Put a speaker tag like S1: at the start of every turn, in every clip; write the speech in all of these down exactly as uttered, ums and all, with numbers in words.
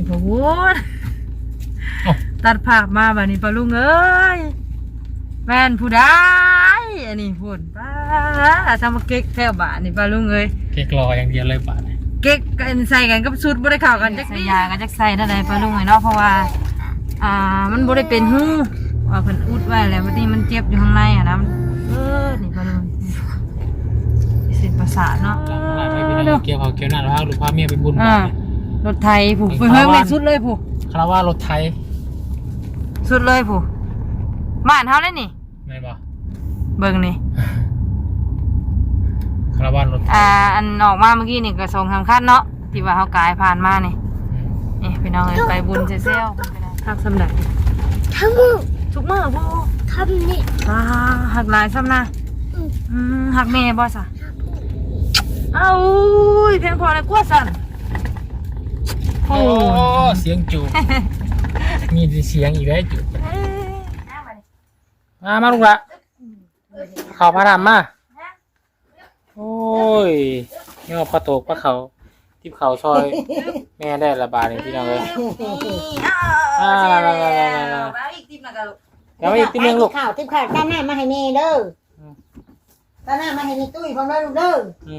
S1: โอ้โหตัดภาพมาบัดนี้ปะลุงเอ้ยแม่นผู้ใดอันนี้พูดป้าทำมาเก๊กแถวบ้านนี่ปะลุงเอ้ย
S2: เก๊กรออย่างเดียวเลยบ้าน
S1: เก๊กกันใส่กันกับชุดบ่ได้เข้ากันจักนี่ยากันจักใส่ได้ปะลุงเอ้ยเนาะเพราะว่าอ่ามันบ่ได้เป็นหูว่าเพิ่นอุดไว้แล้วบัดนี้มันเจ็บอยู่ข้างในอ่ะนะเออนี่ปะลุงเส้นประสาทเนาะ
S2: เกี่ยวเขาเกี่ยวหน้าแล้วลูกพาเมียไปบุญ
S1: รถไทยผู้ไปเฮิงเลยสุดเลยผู้
S2: คาราวารถไทย
S1: สุดเลยผู้บ้านเฮาเลยนี่
S2: ไม่บ่
S1: เบิ่งนี่
S2: คาราวารถ
S1: อ่าอันออกมาเมื่อกี้นี่ก็ส่งสำคัญเนาะที่ว่าเฮากายผ่านมานี่นี่พี่น้องเอ้ยไปบุญเซลล์ทักสำหรับ
S3: ทั้งมือ
S1: ทุกมื้อบ่
S3: ทำนี่
S1: อ่าหักหลายซ้ำนะอืมหักแม่บ่ซะเอ้าอุ้ยเพียงพอในกลัวสั่น
S2: โอ้เสียงจูบมีเสียงอีกแล้วจูบมามาลูกละเขาพระรามมาโอ้ยนี่ว่าพระโตกพระเขาทิพเขาซอยแม่ได้ระบาดเลยพี่น้องเลย
S1: อ่าแล้วอีกติ๊บนะกันลูก
S2: แล้วอีกติ๊บนึงลูก
S3: ข้าวติ๊บข้าวตั้งหน้ามาให้แม่เด้อตั้งหน้ามาให้ในตุ้ยพร้อมแล้วลูกเด้อ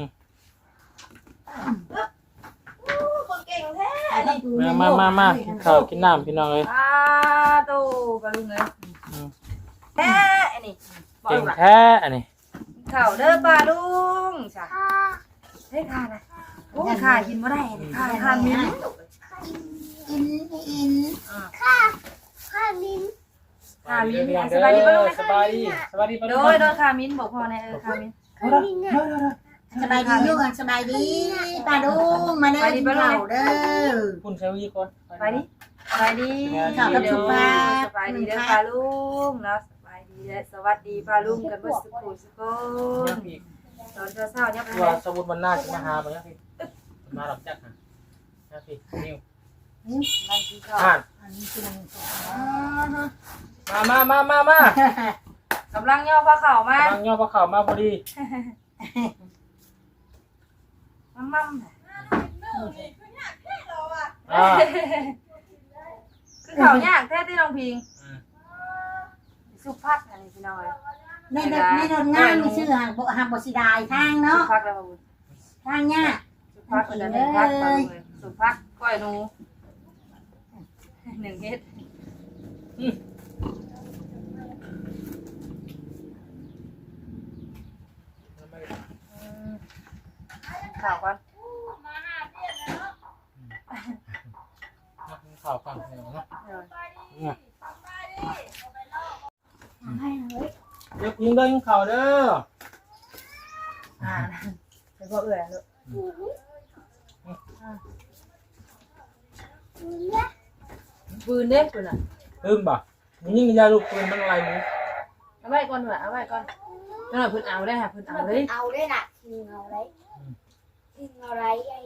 S2: มามามาข้าวกินน้ำพี่น้องเลย
S1: อ้าโตปลาลุงเลยแท้อันนี้
S2: เก่งแท้อันนี้
S1: ข้าวเด้อปลาลุงจ้ะเฮ้ยข้านะโอ้ข้ากินไม่ได้ข้าข้ามิ้น
S3: อินอินข้าข้ามิ้น
S1: ข้ามิ้นสบายดีปลาลุง
S2: สบายดีสบายดีปลาลุง
S1: โดยโดยข้ามิ้นบอกพอในเออข้ามิ้น
S3: ข้ามิ้นสบายดีลูกสบายดีปลาลุงมาเด้อเข่าเด้อ
S2: คุณใช้วิธีก่อน
S1: ไปดิไปดิ
S3: ข่าวกับสุภาพ
S1: สบายดีเด้อปลาลุงแล้วสบายดีและสวัสดีปลาลุงกันเมื่อสักครู่สักคนตอนเช้าเนี่ย
S2: ว่าสมุดมันน่าจะมาหาไปนะพี่มาหลับจักนะนะพี่นิ้วอ่านมามามามา ม
S1: ากำลังย่อปลาเข่ามาก
S2: ำลังย่อปลาเข่ามาพอดี
S1: มั่มมั่มคือเขายากแท้ที่น้องพิงสุภักอันนี้พี่น้อย
S3: ในในในงานมีชื่อหางหางบสิดายทางเนาะ
S1: สุภักแล้วบุญ
S3: ทางเนี่ย
S1: สุภักจะเป็นพักไปเลยสุภักก้อยนูหนึ่งเฮ็ดข่าวกัน
S2: ข่าวกันเนาะยกยิงเด้อยิงข่าวเด้อ
S1: อ่าไปก็เอื่อยเลยปืนเด็กปืนอ่ะ
S2: ปืนบ่มึงยิงยาลูกปืนมันอะไรมึง
S1: เอาไว้ก่อนเหรอเอาไว้ก่อนนั่นแหละปืนเอาได้ค่ะปืนเอาเลย
S3: เอาได้น่ะยิงเอาไรยิงเอาไรไอ้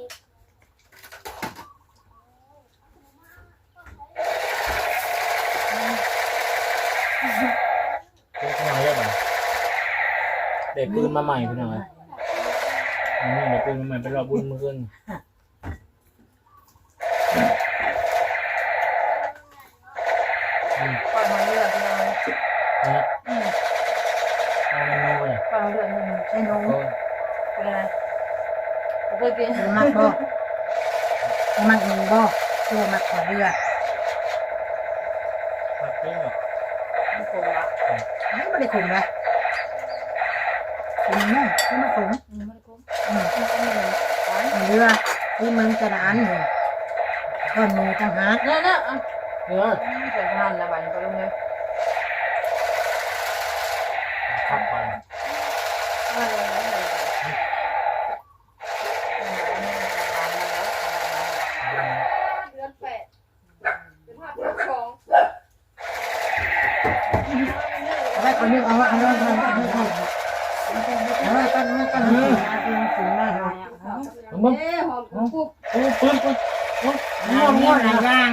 S2: เป็นขนาดเยอะไหมเด็กปืนมาใหม่พี่น้อยนี่เด็กปืนมาใหม่เป็นรอบุญมือขึ้น
S1: ปล่อยมาเรื่อยพี่น้อย
S2: นะเอาเมนูเลย
S1: ปล่อยมาเรื่อยใช่น้องเป็นอะไรเคยกิน
S3: มักบ่มักเองบ่ตัวมักขอเรือ
S2: มักเอง
S1: ไม่คงละ
S3: ไม่ได้ขุ่นนะขุ่นเนาะไม่มาขุ่น
S1: ไม่ได้คง
S3: เรือที่มึงกระดานเลยก้อนมือจังหา
S1: เนี่ยเนี่ย
S2: เนี่ย
S1: เกิดงานละบันก็ลงเลย
S2: ขับไป
S3: เอาไว้เอาเรื่องเอาไว้เอาเรื่องเอาเรื่องเอาเรื่องเอาไว้กันไว้กันเอาเรื่องถึงได้
S2: มึงมึงปืนปืนปืน
S3: ง่วงง่วงหลายอย่าง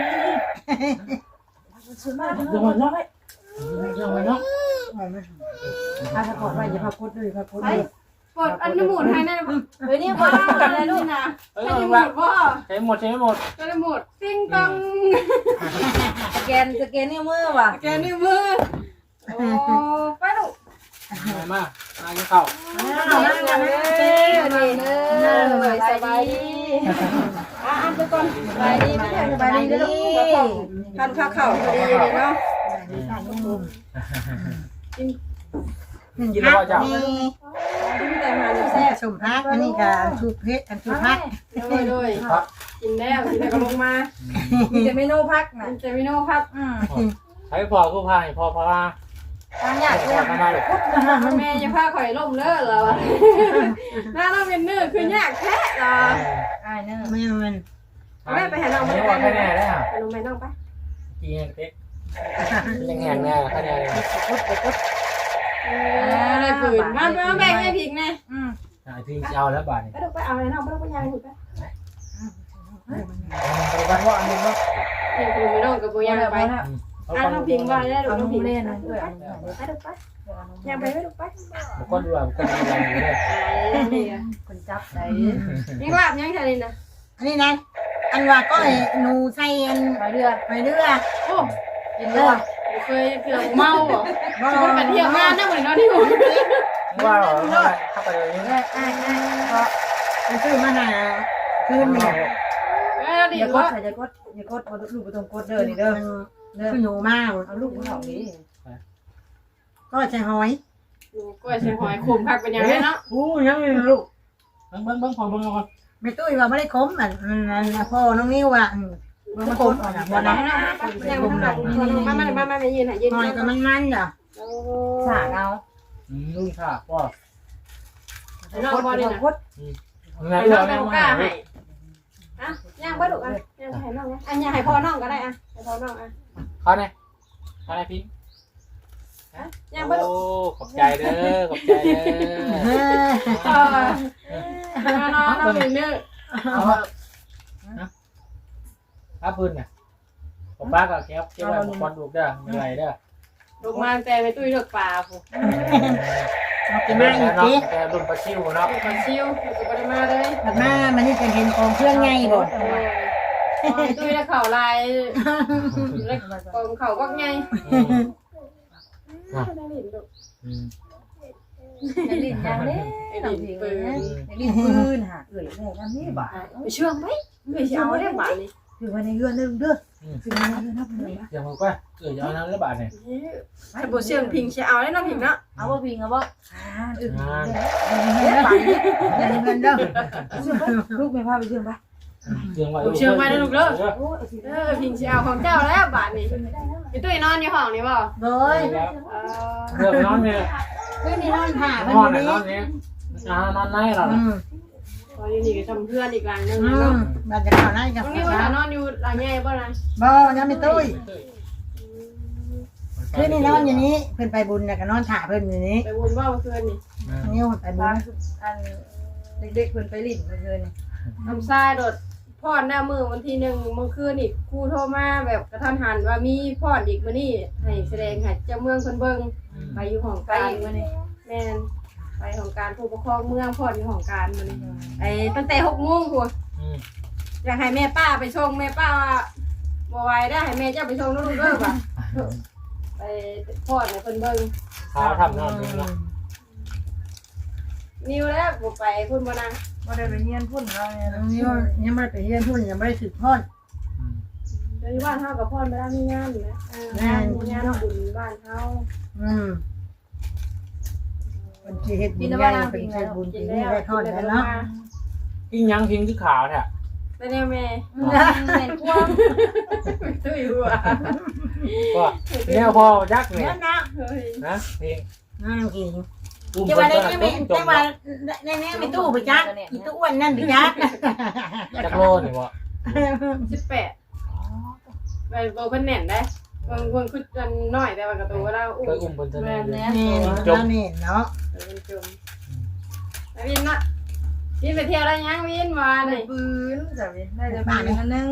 S2: ยังไงเนาะยังไงเนาะ
S3: อาสะกดไว้อย่าพาพุทธด้วยพาพุทธด้วย
S4: ปวดอันน้ำหมุนให้ได้เฮ้ยนี่บ่อะไรลูกนะ
S2: เอ้ย
S4: ให้
S2: เอา
S4: หมุ
S2: ละ
S4: ดบ่
S2: ใช้หมดใช้หมด
S4: ก็ได้หมดติ้งตัง
S1: สแกนสแกนนิ้วมือว่ะ
S4: แกนิ้วมือโอ้ไปลูก
S2: มามามากินข้าว
S1: เอามาเอามาเต้นี่เด้อสบายดี
S4: อ่ะอ่ะไปก่อน
S1: สบายดีไม่ใช่สบายดีเด้อลูก
S4: ทานข้าวเข่าพอดีเลยเนาะ
S2: กินแล้วก็จะ
S4: แต่มาเนี่ย
S3: แซ่สมพักอันนี้ก็ชูเพชรอันชูพัก
S4: โดยโดยกินแล้วกินแล้วก็ลงมา
S1: มีแต่เมนูพักนะ
S4: เจมิโน่ครับ
S1: อืม
S2: ใช้พอกู้ภัยพอพา
S1: ทางยาก
S2: พ
S1: เล
S2: อย ทำไมลูก
S4: แม่จะพาข่อยล่มเลิศเหรอหน้าเราเป็นเนื้อคือยากแท้เหรอ
S1: อ้ายเด้อ
S3: ไม่มัน
S2: ไม่ว่าแค่แน่ได้ค่ะ
S4: ไปลงไปน้องไป
S2: จีนเต๊ะยังแหงแน่แค่แน่เลย
S4: เอออะไรฝืนมาไปมาแบ่งให้ผิงแน่
S1: อืม
S2: ไอ้พี่เอาแล้วบาทนี่
S4: ไปดูไปเอาอะไรน้องไปดูไปยางหุ่นไป
S2: ไปบ้านว่าอันนี้เนาะ
S4: เห็นคุณไม่น้องกับปูยางไปอ่ะน้องพิงว่าได้ดู
S1: เอา
S4: น้
S1: น้
S4: อ
S1: อง ง
S4: พิง
S1: เล่
S4: เล่
S1: น
S4: น
S1: นะ
S4: นะ
S1: เพื่อน
S4: ไปดูไปยางไปไปดูไป
S2: บุคคลดูบุคคลดูอะไรอยู่เลย
S4: นี่
S1: คนจับได้
S4: ยังลาบยังแค่นี้นะ
S3: อันนี้นะอันว่าก็หนูใส่อัน
S1: ไปเรือ
S3: ไปเรือ
S4: โอ้
S1: กินเรือ
S4: เคยเผื่อเมาเหรอคุณไปเที่ยวงานได้เหมือนกันที่ผม
S2: ว่าเข้าไปเลยนี่
S1: อ้ายอ้ายอ้ายเพราะ
S3: มันซื้อมาหาคืนเนี่ย
S4: เออดี
S1: อย่ากด
S4: ว่า
S1: ใส่อย่ากดอย่ากดบ่ลูกบ่ต้องกดเด้อนี่เด้อเด้อ
S3: คือหนูมาก
S1: เอาลูกของนี่
S3: ก็ใส่หอย
S4: กล้วยใส่หอยคุมผักเป็นยังไงเนาะ
S3: อู้ยังไม่ลูก
S2: เบิ้งเบิ้งเบิ้งของเบิ้งก่อน
S3: ไม่ตุ้ยว่าไม่ได้คมอ่ะพ่อน้องนิ้วอ่ะมันคมอ่ะวันนั้น
S4: ยังไม่ทำมามามามามายืนหายยืน
S3: หอยก็มันมันอ่ะ
S1: สากเอา
S2: อืมนุ่งค่ะพ่อ
S4: น้องบอลนี่นะ
S1: กด
S2: งาน
S4: น้
S2: เรา
S4: อง
S2: เนี่ย
S4: กล้าให้อ่ะย่างปลาดุกอ่ะย่างให้น้องนะอ่ะย่างให้พ่อน้องก็ได้อ่ะให้พ่อน้องอ่ะ
S2: เขาเนี่ยเขาเนี่ยพี่
S4: ย่างปลาดุก
S2: โอ้ขอบใจเด้อขอบใจเด้อ
S4: เออน้องน้องเป็นเนื้อ
S2: ถ้าพื้นเนี่ยผมป้าก็แก้วเก็บไว้บอลดูเด้อไม่ไรเด้อ
S4: ลูกมาแต่ไปตุ้ยเลือกปลาผู้
S3: จะมาอีกที
S2: แต่รุ่นปลาชิวเนาะ
S4: ปลาชิวสุกมาเลย
S3: ถัดมามันนี่จะเห็นของเครื่องไงบ่
S4: ตุ้ยแล้วเข่าลายแล้วกองเข่าก็ไง
S1: จะลิ้นยังเด้น้องพิงนะจะลิ้นปืนหาเอ้ยแม่ทำนี่บ่า
S4: ไปเชื่องไหมไม่เชื่องได้บ้านี่
S3: คือวันนี้เรื่องนึงเด้อคือวันนี้เรื่องนับเลย
S2: อย่างมันก็เกิดเอาน้ำระบาดเนี่ย
S4: ถ้าบ่เชื่องพิงเชื่อเอาได้น้องพิงเนาะ
S1: เอาบ่พิงเอาบ่
S3: อ่าอึดเด้อไปเดี๋ยวเงินเด้อ
S1: ลูกไม่พาไปเชื่อมปะ
S2: เชื่องไว้
S4: เชื่องไว้นะลูกเด้อ
S1: โอ้ย
S4: เออพิงเชื่อเอาของเจ้าแล้วบ้านนี่ไปตุ้ยนอนอยู่ห้องนี่บ่
S3: โดย
S2: เรื่องนอนเนี่ย
S3: คืนนี้นอนผ่าน
S2: นอน
S3: นี้
S2: นอนเนี่ยนอนไหนเรา
S3: อืม
S4: ตอนนี้ก็ทำเพื่อนอีกหลังนึง
S3: อื
S4: เนาะ
S3: มเราจะเข้าไล่กับ
S4: ตรง
S3: พี่
S4: นี้ว่า
S3: สาวน
S4: อนอยู่หลังใหญ่บ่นะ
S3: บ่ยังไม่ตุ้ยคืนนี้นอนอยู่นี้เพิ่นไปบุญน่ะก็นอนถ่าเพิ่นอยู่นี้
S4: ไปวนว่าเมื่อคืนนี่
S3: นิ้วไปบุ
S1: บ้า
S3: ญ
S1: นอันเด็กๆเพิ่นไปลิ้นเมื่อคืน
S4: ทำทรายโดดพ่อนหน้ามือวันที่หนึ่งเมื่อคืนนี่ครูโทรมาแบบกระทันหันว่ามีพ่อนอีกมื้อนี้ให้แสดงให้เจ้าเมืองเพิ่นเบิ่งไปอยู่ห้อง
S1: ไป
S4: การ
S1: อีกมื้อนี้
S4: แม่นไปของการผู้ปกครองเมืองพ่อนอยู่ของการมื้อนี้ไอ้ตั้งแต่หกโมงพุ่นอยากให้แม่ป้าไปชงแม่ป้าว่าบ่ไหวได้ให้แม่เจ้าไปชงลูกเด้อบ่ะไปพ่อนให้เพิ่นเบิ่ง
S2: เขาทำนอนนี่เนาะ
S4: นิวแล้วบ่ไปพุ่นบ่นะ
S1: บ่ได้ไปเรียนพุ่นเราเนี่ย
S3: นิ้วยังไม่ได้ไปเรียนทุนยังไม่ได้สืบทอด
S4: เดี๋ยวนี้บ้านเฮากับพ่อนไปแล้วมีงานอยู่นะเอองานมีงานบุญบ้านเฮา
S3: อืมเป็นที่เฮ็ดบุญใหญ่เป็นที่บุญ
S4: กิ
S3: ที่
S4: น
S3: นี่
S4: แล้ว
S3: ได้ทอดแล้วเนาะ
S2: ทิ้งยังทิ้งที่ขาวเนี่ย
S4: แต่เนี่ยแม่
S1: แม่นควง
S4: ตุ้ยหัว
S2: ก็เนี่ยพอยักษ์เนี่ย
S3: เดี๋ยวนะ
S4: เฮ้ย
S2: นะเพลง
S3: น้ากิน
S2: อุ้ม
S3: จะ
S2: ค
S3: ว่าน ได้
S2: ก็
S3: ไม่
S2: จ
S3: แต่
S2: ม
S3: ว่าในนี้ไม่ตู้ไปจักอีตู้อ้วนนั่นไปจัก
S2: จักโลนี่วะ
S4: สิบแปดไปโบเพิ่นแน่นได้เพิ่นเพิ่นคือกันน้อยแต่ว่ากระตูเราอุ้
S2: เคยอุ้มคนเท่านั้นเลย
S3: นี่แล้วนี่เนาะ
S4: เพิ่นจมแล้ววินน่ะวินไปเที่ยวได้ยังวินมา
S1: ได้
S4: นี่
S1: ปืนจ้ะเว้ยได้แต่ปืนอันนึง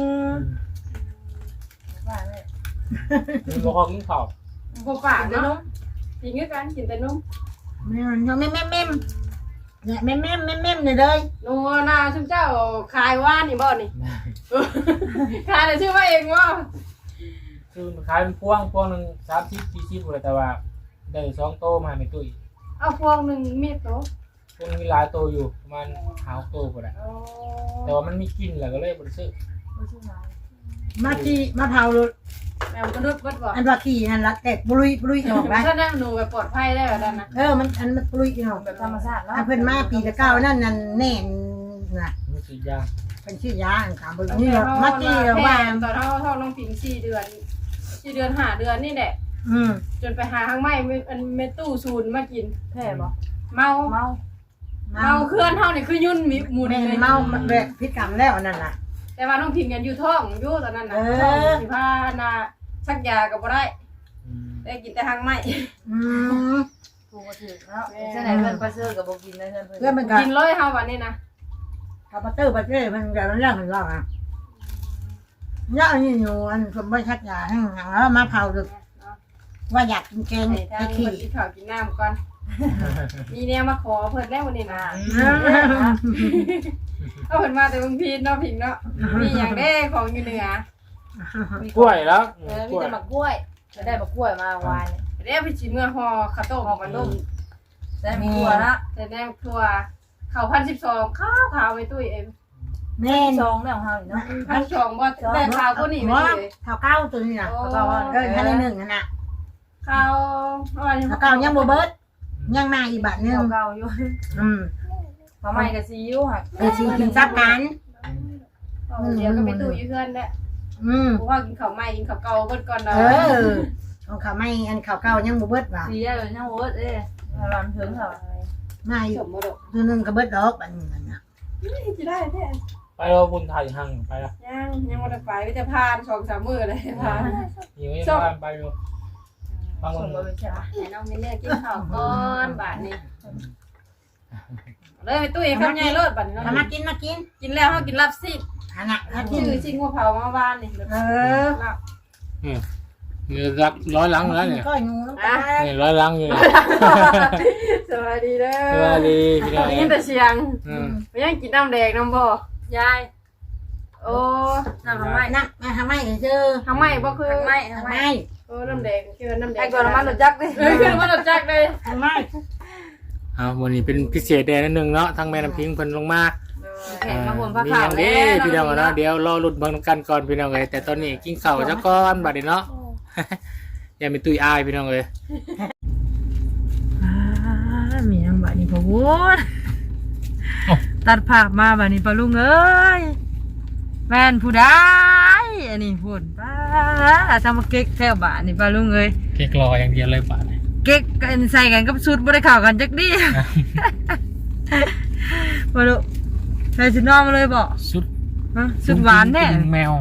S1: ว่าแม่
S2: มีบ่พอกินข้าว
S4: บ่ปากเนาะกินคือกันกินแต่นม
S3: มันยังไม่แม่แม่เนี่ยแม่แม่แม่แม่เลยเลย
S4: โน่นาชุมเจ้าขายว่านนี่บ่นี่ขายแต่ชื่อว่าเองว่า
S2: คือขายเป็นพวงพวงหนึ่งสามสิบสี่สิบเลยแต่ว่าได้สองโตมาในตุ้ย
S4: เอาพวงหนึ่งมีดโต
S2: พวงมีหลายโตอยู่ประมาณหาโตกว่าแหละแต่ว่ามันมีกลิ่นแหละก็เลยบริสุทธิ์
S3: มาขี่มาเผา
S4: แมวกระดุดวัดบ่
S3: อันว่าขี่นั่นละแตกปลุยปลุยออกไป
S4: ถ้าได้หนูแบบปลอดภัยได้แบบนั้นนะ
S3: เออมันอันมันปลุยออก
S1: แบบธรรมชาติเนาะ
S3: อันเพิ่นมาปีละเก้านั่นนั่นแน่นน่ะ
S2: มีสียาง
S3: เป็นชื่อยาอันถามเบิ่งนี่มาขี่ว่า
S4: ตอนเท่าเท่าน้องผิงสี่เดือนสี่เดือนห้าเดือนนี่แหละ
S3: อืม
S4: จนไปหาข้างไม่อันเมตู้ซูนมากิน
S1: แพ้บ่
S4: เมา
S1: เมา
S4: เมาเคลื่อนเท่านี่คือยุ่นมีหมูน
S3: แม่
S4: เลย
S3: เมาแบบพิษกรรมแล้วนั่นน่ะ
S4: แต่ว่าน้องผิงกันอยู่ท้องอยู่ตอนนั้นนะ
S3: เออ
S4: ท้องสิพานาชักยากับบ่ได้ได้กินแต่ทางไม่
S3: อืม
S1: กูก็ถือเนาะเจ้าไหนเพิ่นไปซื้อกับบ่กินเลยเพิ่น
S3: เพื่อนมันก็
S4: กินเลยเฮาวันนี้นะ
S3: คาปเตอร์ประเทศมันจะเรื่องของเราอ่ะเนี่ยอันนี้อยู่อันสมบัติชักยาให้หางแล้วมาเผาดึกว่าอยากกินแกง
S4: ให้ทาง
S3: ไอ้
S4: เพิ่
S3: ขี้
S4: นกินข้าวกินน้ำก่อนมีแนวมาขอเพิ่นได้วันนี้นะเอาเพิ่นมาแต่บางพีเนาะผิงเนาะมีอย่างได้ของอยู่เหนือก
S2: ล้วยแล้ว
S1: เออมีแต่มะกล้วยจะได้มะกล้วยมาวาน
S4: เรียกไปชิมเมื่อห่อข้าวต้มมันนุ่ม
S1: ได้มะกล้วยละ
S4: แต่แนมครัวข้าวพันสิบสองข้าวขาวไปตุ้ยเอ็ม
S3: แม่
S1: ซองแล้วเฮาเนาะ
S4: พันสองบ่ได้ข้าวก็นี่ไป
S3: ว่า
S4: เลย
S3: เท่าเก้าตัวนี้นะ
S4: โอ้
S3: เออท่านหนึ่งน่ะ
S4: ข้าว
S3: เท่าเก้ายังโบเบิร์ตยังมาอีกบาทนึง
S1: เก่าๆอยู่
S3: อืม
S1: ทำไมกับซีอิ๊วค่ะ
S3: เออชีกินซับกัน
S4: เดี๋ยวก็ไปตู้อยู่เพื่อนแหละ
S3: อืม
S4: เพราะว่ากินข้าวใหม่กินข้าวเก่าเบิดก่อนเนาะ
S3: เออของเขาไม่อันเขาเก้ายังโบเบิร์ตว่ะ
S1: ซีอิ๊วยังโอ๊ตเอ้ยรำถึงเหรอ
S3: มาอี
S4: ส
S3: ก
S4: มมติ
S3: ตัวหนึงก็เบิร์ตดอกอันนี้นะ
S4: จะได้แท้
S2: ไปเราบุญไทยหั่งไปละ
S4: ยังยังวันไปไปจะพานสองสามมื้อเลยพาน
S2: อยู่ในบ้านไปอยู่บาง
S1: ส่
S2: วั
S1: ง
S2: น
S1: มาเป็นแค่
S4: ให้น้องมินเนี่ยกินข้าวก่อนบาทนี้เลยไปตู้อีกคำใหญ่รถบาทนี้
S3: ทำมากินมากิน
S4: กินแล้วเขากินลับซิ
S3: อันน่ะถ้ากิน
S4: ชื่อชิงหัวเผามาบ้านนี่
S3: เออ
S2: นี่รักร้อยลังแล้วเนี่ย
S3: ก็งูแล้วก็
S2: นี่ร้อยลังอยู่
S4: สวัสดีเด้อ
S2: สวัสดีพี่น้อง
S4: ได้ยินแต่เสียง
S2: อืม
S4: ไม่ยังกินน้ำแดงน้ำบ่ยายโอ้
S1: น้ำทำไม
S3: นักมาทำไมเจอ
S4: ทำไมบ่คือ
S1: ทำไม
S3: ทำ
S1: ทำ
S3: ไม
S1: ไม
S4: โอ้น้ำแดงคือน้ำแดง
S1: ไอ้ก่อนมันหลุดจักดิ
S4: เอ้ยคือมันหลุดจักเลย
S3: ทำไม
S2: เอาวันนี้เป็นพิเศษแดนนิดนึงเนาะทางแม่น้ำพิงเพิ่นลงมา
S1: แข่งมาบนผ้า
S2: มี
S1: ขา
S2: อ
S1: ว
S2: ย่างนี้พี่น้องเนาะเดี๋ยวรอลุ้นเบิ่งกันก่อนพี่น้องเอ้ยแต่ตอนนี้กินข้าวซะก่อนบัดนี้เนาะ อย่ามีตุ้ยอายพี่น้องเอ้ย
S1: มีน้ำบานี่พอวุ้นตัดภาพมาบานี่ปลาลุงเอ้ยแม่นผู้ใดอันนี้พูดป้าทำมาเก๊กแถวบ้านนี่ปลาลุงเอ้ย
S2: เก๊กรออย่างเดียวเลยบาด
S1: เก๊กกันใส่กันกับสูตรบ่ได้เข้ากันจักดิบ่รู้ใส่ชุดนอนมาเลยบ่
S2: สุด
S1: ฮะชุดหวานแท้
S2: แมว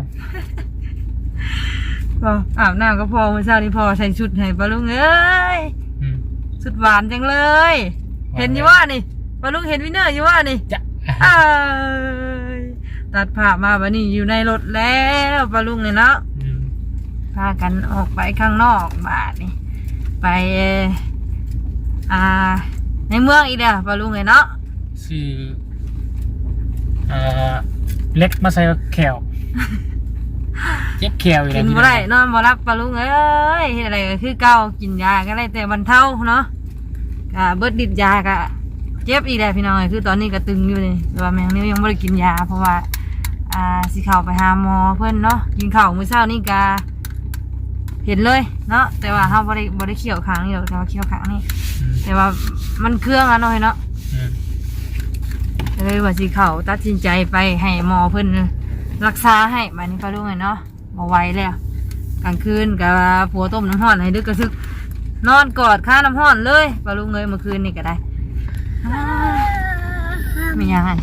S1: บ่อาบน้ำก็พอมื้อเช้านี้พอใส่ชุดให้ปลาลุงเอ้ย
S2: อืม
S1: ชุดหวานจังเลย เห็นอยู่ว่านี่ปลาลุงเห็นวินเนอร์อยู่ว่านี่
S2: จะ
S1: เอ้ยตัดผ้ามาบัดนี้อยู่ในรถแล้วปลาลุงเนี่ยเนาะ
S2: อืม
S1: พากันออกไปข้างนอกบาดนี่ไปอ่าในเมืองอีเด้อปลาลุงเนี่ยเนาะ
S2: ชื่อเอ่อเล็กมาใส่แขวเจ็บแขวอยู่
S1: กิ
S2: แล้ว
S1: น
S2: พี่
S1: บ่
S2: น้อง
S1: ได้นอนบ่รับปลาลุงเอ้ยเฮ็ดอะไรก็คือเก่ากินยาก็ได้แต่บรรเทาเนาะก็เบิดฤทธิ์ยาก็เจ็บอีกแล้วพี่น้องเอ้ยคือตอนนี้ก็ตึงอยู่นี่แต่ว่าแมงนิ้วยังบ่ได้กินยาเพราะว่าอ่าสิเข้าไปหาหมอเพิ่นเนาะกินข้าวมื้อเช้านี่ก็เห็นเลยเนาะแต่ว่าเฮาบ่ได้บ่ได้เคี่ยวข้างนี้หรอกแต่ว่าเคี่ยวข้างนี้แต่ว่ามันเครื่องอะเนาะเนาะ
S2: อืม
S1: เลยว่าสิเข้าตัดสินใจไปให้หมอเพิ่นรักษาให้บัดนี้ปลาลุงเนาะบ่ไหวแล้วกลางคืนก็ผัวต้มน้ำร้อนให้ดึกกระซึกนอนกอดข้าน้ำร้อนเลยปลาลุงเอ้ยเมื่อคืนนี่ก็ได้อ้าวมียังไง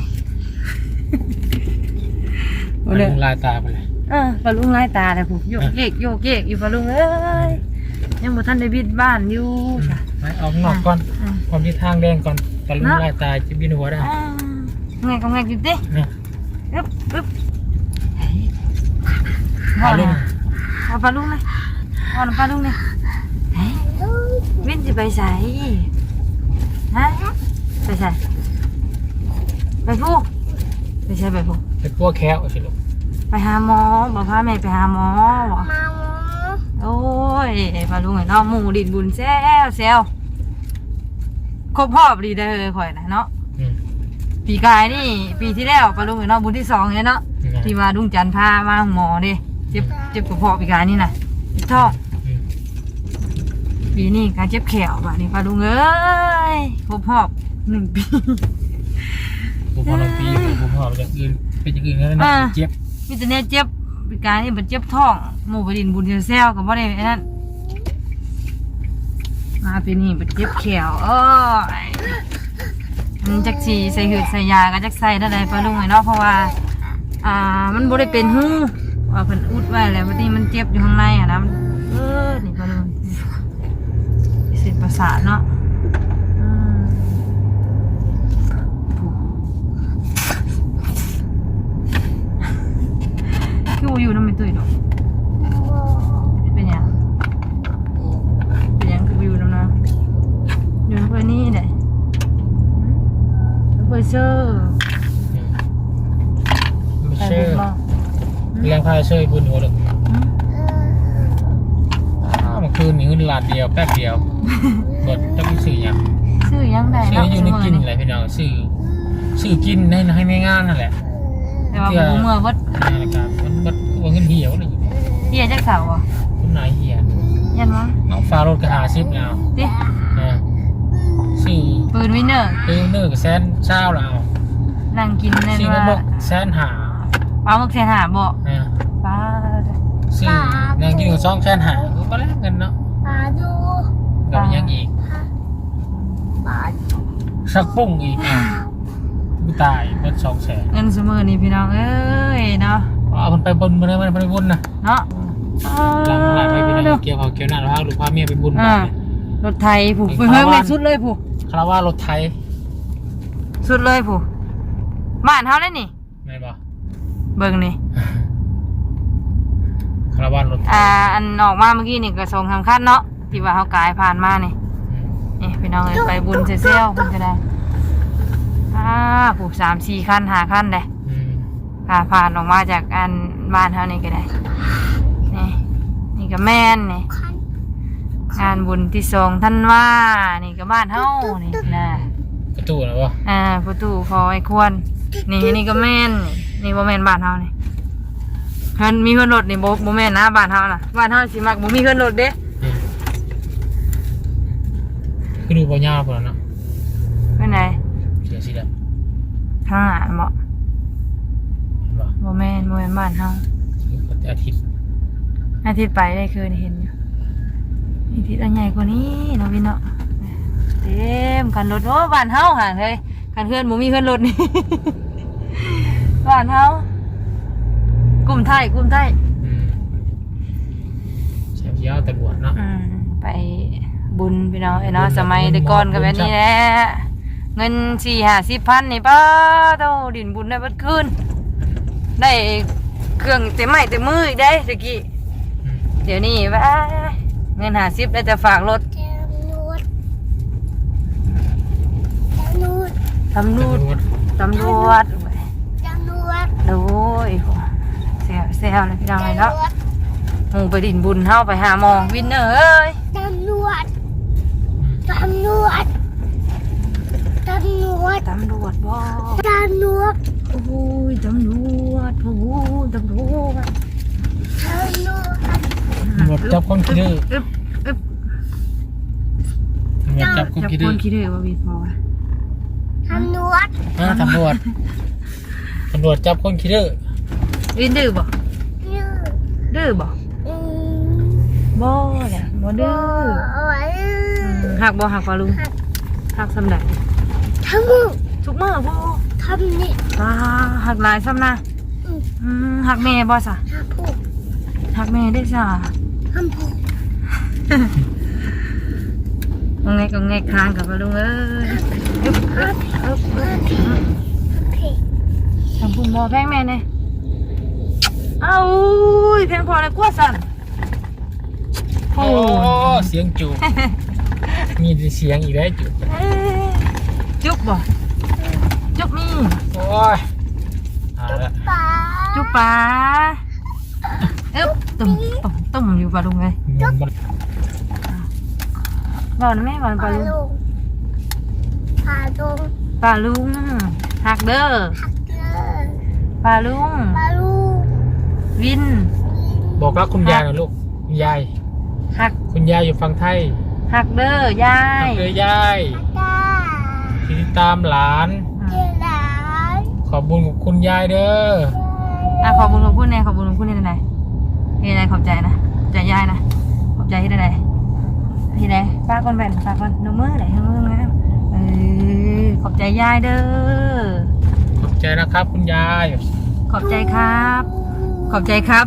S2: มันลงลายตาไปเลย
S1: เออปลาลุงไล่ตาเลยผมโยกเยกโยกเยกอยู่ปลาลุงเอ้ยยังบ่ทันได้บิดบ้านอยู่จ้ะ
S2: ไปออกนอกก่อน
S1: อ่า
S2: ความที่ทางแดงก่อนตอนลงลายตาจะบินหัวได้
S1: อ่าไงก็ไงอยู่ดิ
S2: นะ
S1: อึ๊บอึ๊บ
S2: เอาลง
S1: เอาปลาลุงเลยเอาปลาลุงเลยเฮ้ยวินจะไปใส่ฮะไปใส่ไปพูไปใช่ไปพู
S2: เป็นพวกแคะสิลูก
S1: ไปหาหมอบอกพาแม่ไปหาหมอบอก
S5: มาหมอ
S1: โอ้ยปลาลุงไอ้เนาะหมูดินบุญแซวแซวครบรอบดีเด้อข่อยนะเนาะ
S2: อืม
S1: ปีกายนี่ปีที่แล้วปลาลุงไอ้เนาะบุญที่สองเลยเนาะที่มาดุงจันทร์พามาหมอดิเจ็บเจ็บกระเพาะปีกายนี่นะเจ็บท้อง
S2: อืม
S1: ปีนี้การเจ็บแขวบ่ะนี่ปลาลุงเอ้ยครบรอบหนึ่งปี
S2: ผมพอเราปีผมพออย่างอื่นเป็นอย่างอื่นแล้วนะ
S1: อ่า
S2: เจ็บ
S1: มีแต่เนี่ยเจ็บปีกายนี่มันเจ็บท้องหมูบดินบุญแซวกับว่าได้ไอ้นั่นมาปีนี้มันเจ็บแขวเอ้ยมันจักสีใส่หืดใส่ยาก็จักใส่ได้ไรปลาลุงไอ้เนาะเพราะว่าอ่ามันบ่ได้เป็นหูว่าเพิ่นอุดไว้แล้ววันนี้มันเจ็บอยู่ข้างในอ่ะนะมันเออนี่ปลาลุงเส้นประสาทเนาะอืมคือบ่อยู่นำไม่ตุ้ยดอกเป็นหยังเป็นหยังคือบ่อยู่นำนะอยู่นำเพิ่นนี่ได้เพิ่นเชื่อ
S2: ไม่
S1: ไป
S2: เชื่อ
S1: บุญบ่
S2: เลี้ยงพายเชื่อบุญหัวเลยอ้าวเมื่อคืนนี้เงินล้านเดียวแป๊บเดียวกดจะไม่ซื้อยัง
S1: ซื้อยังได้
S2: ซื้อ
S1: เนาะ
S2: อยู่ในกิน
S1: มื้
S2: อะไรพี่น้องซื้อซื้อกินให้ให้ไม่งานนั่นแหละ
S1: แต่ว่าบ่เมื่อวัด
S2: นี่นะครับมันมันมันเงินเหี่ยวเลย
S1: เฮียจักเสาอ่ะ
S2: คุณนายเหี่ย
S1: ยันวะ
S2: น้องฟ้ารถกระหาซิปแล้ว
S1: ติ
S2: นะซื้อ
S1: ปืนวินเนอร์
S2: ซื้อเนื้อกับแซนเช้าแล้ว
S1: นั่งกินนั่น
S2: ซื้อ
S1: ว่า
S2: น้ำมกแซนหา
S1: ปลาหมึกแสนหาบ่
S2: นะ
S1: ปลา
S2: ซื้อนางกินกับซองแซนหาก็แลกเงินเนาะ
S5: ปลาดู
S2: กับยังอีก
S5: ปลา
S2: สักปุ้งอีกอ่ะกูตายเป็นสองแสน
S1: เงินสมือนี่พี่น้องเอ้ยเนาะ
S2: เอามันไปบนมันไปไปบนนะ
S1: เนาะ
S2: หลังหลังไปพี่น้องเกี่ยวเขาเกี่ยวหน้าแล้วพาลูกพาเมียไปบุญ
S1: อ่ารถไทยผู้ไปเพิ่มเลยสุดเลยผู้
S2: คาราวารถไทย
S1: สุดเลยผู้บ้านเฮาเลยนี่
S2: ไม่บอก
S1: เบิ่งนี่
S2: คาราวารถไทย
S1: อ่าอันออกมาเมื่อกี้นี่ก็ส่งสำคัญเนาะที่ว่าเฮากายผ่านมานี่นี่พี่น้องเอ้ยไปบุญเซลล์เพิ่นก็ได้อ่าผู้สามสี่คันห้าคันได้
S2: อืม
S1: ผ่าผ่านออกมาจากอันบ้านเฮานี่ก็ได้ นี่ นี่ก็แม่นนี่
S5: คัน
S1: งานบุญที่สองท่านว่า นี่ก็บ้านเฮานี่นะ
S2: ประตูนะวะ
S1: อ่าประตูพอไอ้ควร นี่นี่ก็แม่น นี่นี่บ่แม่นบ้านเฮานี่เพิ่นมีเพิ่นรถนี่บ่บ่แม่นนะบ้านเฮาน่ะ บ้านเฮาสิมักบ่มีเพิ่นรถเด้
S2: คือดูบอลยาวพอแล้วเนาะ
S1: เพิ่นไหน
S2: เสียสิแล้ว
S1: ทางหาบ่
S2: เห็นปะ
S1: บ่แม่นบ่แม่นบ้านเฮา
S2: อาทิตย์
S1: อาทิตย์ไปได้คืนเห็นอยู่อาทิตย์อันใหญ่กว่านี้เนาะพี่เนาะเต็มกันรถโอ้บ้านเฮาห่างเลยกันเพื่อนบ่มีเพื่อนรถนี่ บ้านเฮากลุ่มไทยกลุ่มไทย
S2: อืมเสียยาวแต่บวชเนาะ
S1: อืมไปบุญพี่น้องไอ้เนาะสมัยแต่ก่อนก็แบบนี้แหละเงินสี่ห้าสิบพันนี่ป้าเท่าดินบุญได้เบัดคืนได้เครื่องเต็มไม้เต็มมืออีกได้ตะกี้
S2: อืม
S1: เดี๋ยวนี้ว่าเงินห้าสิบได้แต่ฝากรถ
S5: แจมนวดแจมนวด
S1: ตำรวจ
S2: แต่บวช
S1: ตำรวจ
S5: แจมนวด
S1: โอ้ยเซลเซลเลยพี่น้องไอ้เนาะหมูไปดินบุญเฮาไปหาหมอวินเนอร์เอ้ย
S5: แจมนวดแจมนวดแจมนวด
S1: ตำรวจบ่
S5: แจมนวด
S1: โอ้ยตำรวจโอ้ยตำรวจ
S5: แจมนวด
S2: ตำรวจจับคนขี้ดื้อ
S1: อึ๊บอึ๊บ
S2: ตำรวจจับคน
S1: จับ
S2: ขี้
S1: ค
S2: ดื้อน
S1: คิดดื้อว่าวีพอวะ
S5: แจมนวด
S2: อ่าตำรวจตำรวจจับคนขี้ดื้อ
S1: วินดื้อบ่
S5: ยืด
S1: ดื้อบ่
S5: อืม
S1: บ่แหละบ่ดื้อ
S5: เอาไว้
S1: อืมหักบ่หักปลาลุงหักสำใด
S5: ทำมือ
S1: ทุกมื้อบ่
S5: ทำนี่
S1: ตาหักหลายซ้ำนะ
S5: อืม
S1: อืมหักแม่บ่ซะ
S5: ทำผูก
S1: หักแม่ได้ซะ
S5: ทำผูก
S1: งงไงก็งงค้างกับปลาลุงเอ้ยอึ๊บอึ๊บอึ๊บอึ๊บ
S5: ทำเพลง
S1: ทำพุ่มบ่แพงแม่เนี่ยเอ้าอุ้ยแพงพอเลยกลัวสั่นโอ้
S2: โอ้เสียงจูบมีเสียงอีกแล้วจูบ
S1: เอ้ยจุ๊บบ่จุกนี่
S2: โอ้ยตายละ
S5: ป้า
S1: จุกปลาเอ๊บตุ่มตุ่มตุ่มอยู่ปลาลุงไง
S2: มัน
S1: บอกนะแม่บอกป
S5: ป
S1: ลา
S5: ลา
S1: ลุง
S5: ลุงปลาลุง
S1: ปลาลุงหักเด้อ
S5: ฮักเกอร์
S1: ปลาลุง
S5: ปลาลุง
S1: วิน
S2: บอกรักคุณยายหน่อยลูกคุณยาย
S1: หัก
S2: คุณยายอยู่ฝั่งไทย
S1: หักเด้อยา
S2: รั
S1: ย
S2: กเลยยาย
S5: ตา
S2: ที่ติดตามหลาน
S5: เจหลาน
S2: ขอบคุญกับคุณยายเด้อ
S1: อ่ะขอบคุณขอบคุณเนี่ยขอบคุณขอบคุณเนี่ยไหนที่ไหนขอบใจนะขอบใจยายนะขอบใจที่ไหนที่ไหนป้าคนแบ่นป้าคนนมือไหนนมือนะเออขอบใจยายเด้อ
S2: ขอบใจนะครับคุณยาย
S1: ขอบใจครับ ขอบใจครับ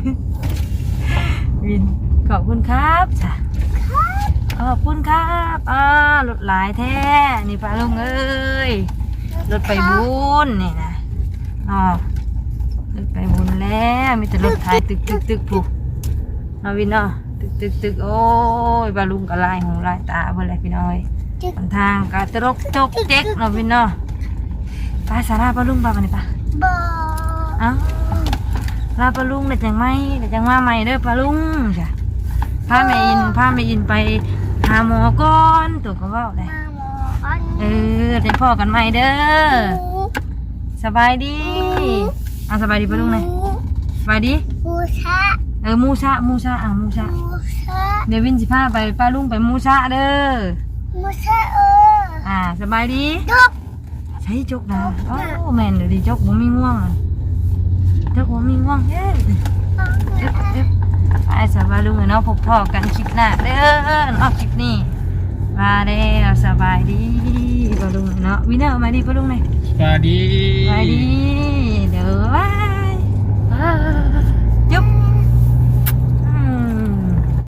S1: วินขอบคุณครับจ้ะขอบคุณครับอ่ารถหลายแท้นี่ป้าลุงเอ้ยรถไปบุญนี่นะอ๋อรถไปบุญแล้วมีแต่รถไทยตึกตึกตึกผูกเอาวินเนาะตึกตึกตึกโอ้ยป้าลุงก็ลายหูลายตาเพื่อนอะไรพี่น้อยหนทางก็ตรกจกเจ๊กเนาะวินเนาะไปสาราป้าลุงป้าไปนี่ป้า
S5: บอ
S1: เอ้าลาปลาลุงเด็ดจังไหมเด็ดจังว่าใหม่เด้อปลาลุงจ้ะพาแม่อินพาแม่อินไปหาหมอก่อนตัวก็เว่าเลย
S5: มาหมออัน
S1: เออเดี๋ยวพ่อกันใหม่เด้อสบายดีอ่ะสบายดีปลาลุงเลยสบายดี
S5: บูชา
S1: เออมูชะมูชะอ่ะมูชะ
S5: บูชา
S1: เดี๋ยววินสิพาไปปลาลุงไปมูชะเด้อ
S5: บูชาเออ
S1: อ่าสบายดี
S5: จบ
S1: ใช้จกนะโอ้แม่นเดี๋ยวดีจกบ่มีง่วงอะจกบ่มีง่วงเอ้ย เอฟเอฟไปสบายลุงเนาะพบพ่อกันคลิปหน้าเด้อเนาะคลิปนี้มาแล้วสบายดีปะลุงเนาะวินเนอร์มาดีปะลุงเลย
S2: สวัสดี
S1: สบายดีเด้อว้า